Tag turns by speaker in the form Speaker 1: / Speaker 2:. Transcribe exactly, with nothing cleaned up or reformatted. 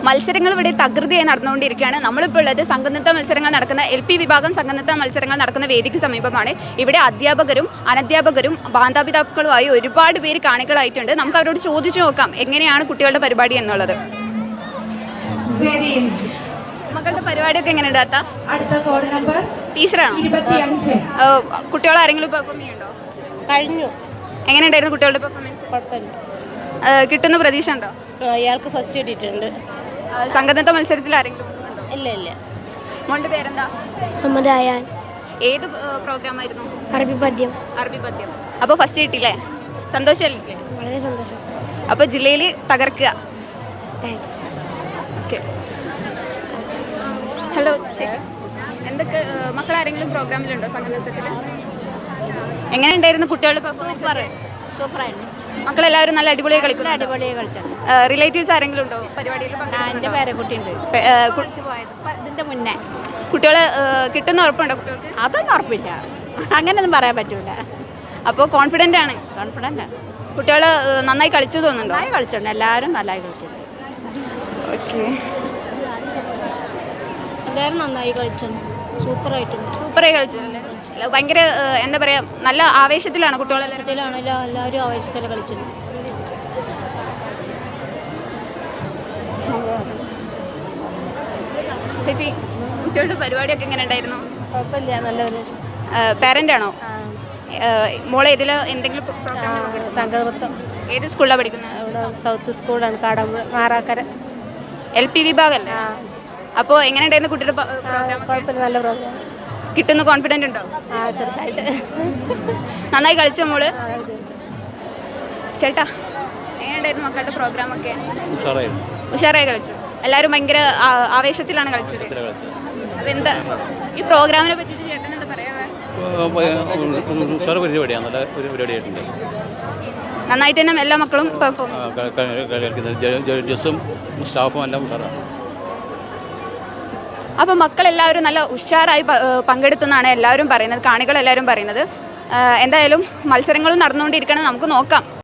Speaker 1: മത്സരങ്ങൾ ഇവിടെ തകൃതിയായി നടന്നുകൊണ്ടിരിക്കുകയാണ്. നമ്മളിപ്പോൾ ഉള്ളത് സംഘനൃത്ത മത്സരങ്ങൾ നടക്കുന്ന എൽ പി വിഭാഗം സംഘനൃത്ത മത്സരങ്ങൾ നടക്കുന്ന വേദിക്ക് സമീപമാണ്. ഇവിടെ അധ്യാപകരും അനധ്യാപകരും മാതാപിതാക്കളുമായി ഒരുപാട് പേര് കാണികളായിട്ടുണ്ട്. നമുക്ക് അവരോട് ചോദിച്ചു നോക്കാം എങ്ങനെയാണ് കുട്ടികളുടെ പരിപാടി എന്നുള്ളത്. മക്കളുടെ പരിപാടിയൊക്കെ എങ്ങനെയുണ്ട് താത്ത?
Speaker 2: അടുത്ത കോഡ് നമ്പർ
Speaker 1: ടീച്ചറാണോ? കുട്ടികൾ ആരെങ്കിലും പെർഫോം ചെയ്യുന്നുണ്ടോ?
Speaker 3: കഴിഞ്ഞു.
Speaker 1: എങ്ങനെയുണ്ടായിരുന്നു കുട്ടികളുടെ പെർഫോമൻസ്?
Speaker 3: കുഴപ്പമില്ല.
Speaker 1: കിട്ടുന്ന പ്രതീക്ഷ ഉണ്ടോ?
Speaker 3: അയാൾക്ക് ഫസ്റ്റ് കിട്ടിയിട്ടുണ്ട്.
Speaker 1: സംഘനൃത്ത മത്സരത്തിൽ ആരെങ്കിലും ഉണ്ടോ?
Speaker 3: ഇല്ല ഇല്ല.
Speaker 1: മോളുടെ പേരെന്താ?
Speaker 4: മുഹമ്മദ് അയാൻ.
Speaker 1: ഏത് പ്രോഗ്രാം ആയിരുന്നു?
Speaker 4: അറബി പദ്യം.
Speaker 1: അറബി പദ്യം. അപ്പോൾ ഫസ്റ്റ് കിട്ടിയില്ലേ? സന്തോഷമല്ലേ?
Speaker 4: വളരെ സന്തോഷം.
Speaker 1: അപ്പോൾ ജില്ലയിൽ തകർക്കുക.
Speaker 4: താങ്ക്സ്.
Speaker 1: ഓക്കെ. ഹലോ ചേച്ചി, എന്തൊക്കെ മക്കൾ ആരെങ്കിലും പ്രോഗ്രാമിലുണ്ടോ സംഘനൃത്തത്തിൽ? എങ്ങനെയുണ്ടായിരുന്നു കുട്ടികളുടെ പെർഫോമൻസ്?
Speaker 3: സൂപ്പറായിരുന്നു.
Speaker 1: മക്കളെല്ലാവരും നല്ല അടിപൊളിയായി കളിക്കുന്നു.
Speaker 3: അടിപൊളിയായി കളിച്ചാണ്.
Speaker 1: റിലേറ്റീവ്സ് ആരെങ്കിലും ഉണ്ടോ പരിപാടിയിൽ?
Speaker 3: എൻ്റെ പേരക്കുട്ടിയുണ്ട്. ഇതിൻ്റെ മുന്നേ
Speaker 1: കുട്ടികൾ കിട്ടുന്ന ഉറപ്പുണ്ടോ കുട്ടികൾക്ക്?
Speaker 3: അതൊന്നും ഉറപ്പില്ല, അങ്ങനെയൊന്നും പറയാൻ പറ്റൂല.
Speaker 1: അപ്പോൾ കോൺഫിഡൻ്റ് ആണ്?
Speaker 3: കോൺഫിഡൻ്റ് ആണ്.
Speaker 1: കുട്ടികൾ നന്നായി കളിച്ചു തോന്നുന്നുണ്ടോ?
Speaker 3: നന്നായി കളിച്ചിട്ടുണ്ട്, എല്ലാവരും നന്നായി കളിച്ചിട്ടുണ്ട്.
Speaker 1: ഓക്കെ.
Speaker 4: എല്ലാവരും നന്നായി കളിച്ചിട്ടുണ്ട്. സൂപ്പറായിട്ടുണ്ട്.
Speaker 1: സൂപ്പറായി കളിച്ചല്ലേ? ഭയങ്കര എന്താ പറയുക, നല്ല ആവേശത്തിലാണ് കുട്ടികളെല്ലാം?
Speaker 4: ആവേശത്തിലാണല്ലോ, എല്ലാവരും ആവേശത്തിൽ കളിച്ചത്.
Speaker 1: ചേച്ചി, കുട്ടികളുടെ പരിപാടിയൊക്കെ എങ്ങനെ ഉണ്ടായിരുന്നു?
Speaker 3: കുഴപ്പമില്ല, നല്ലൊരു.
Speaker 1: പാരൻ്റ് ആണോ? മോളെ ഇതിൽ എന്തെങ്കിലും
Speaker 3: സംഘനൃത്തം.
Speaker 1: ഏത് സ്കൂളിലാണ് പഠിക്കുന്നത്?
Speaker 3: ഇവിടെ സൗത്ത് സ്കൂളാണ്, കാടമ്പുഴ മാറാക്കര.
Speaker 1: എൽ പി വിഭാഗമല്ലേ? അപ്പോൾ എങ്ങനെ ഉണ്ടായിരുന്നു കുട്ടിയുടെ പ്രോഗ്രാം?
Speaker 3: കുഴപ്പമില്ല, നല്ല പ്രോഗ്രാം.
Speaker 1: കിട്ടുന്ന കോൺഫിഡൻ്റ് ഉണ്ടോ?
Speaker 3: ആ, ചെറുതായിട്ട്.
Speaker 1: നന്നായി കളിച്ചോ മോള്? ചേട്ടാ, എങ്ങനെയുണ്ടായിരുന്നു മക്കളുടെ പ്രോഗ്രാമൊക്കെ? ഉഷാറായി കളിച്ചു. എല്ലാവരും ഭയങ്കര ആവേശത്തിലാണ് കളിച്ചത്. അപ്പം എന്താ ഈ പ്രോഗ്രാമിനെ പറ്റിയിട്ട് ചേട്ടൻ എന്താ പറയാനുള്ളത്? നന്നായിട്ട് തന്നെ എല്ലാ മക്കളും പെർഫോം
Speaker 5: ജഡ്ജസും സ്റ്റാഫും എല്ലാം ഉഷാറാണ്.
Speaker 1: അപ്പോൾ മക്കളെല്ലാവരും നല്ല ഉഷാറായി പങ്കെടുത്തെന്നാണ് എല്ലാവരും പറയുന്നത്, കാണികൾ എല്ലാവരും പറയുന്നത്. എന്തായാലും മത്സരങ്ങളും നടന്നുകൊണ്ടിരിക്കണം, നമുക്ക് നോക്കാം.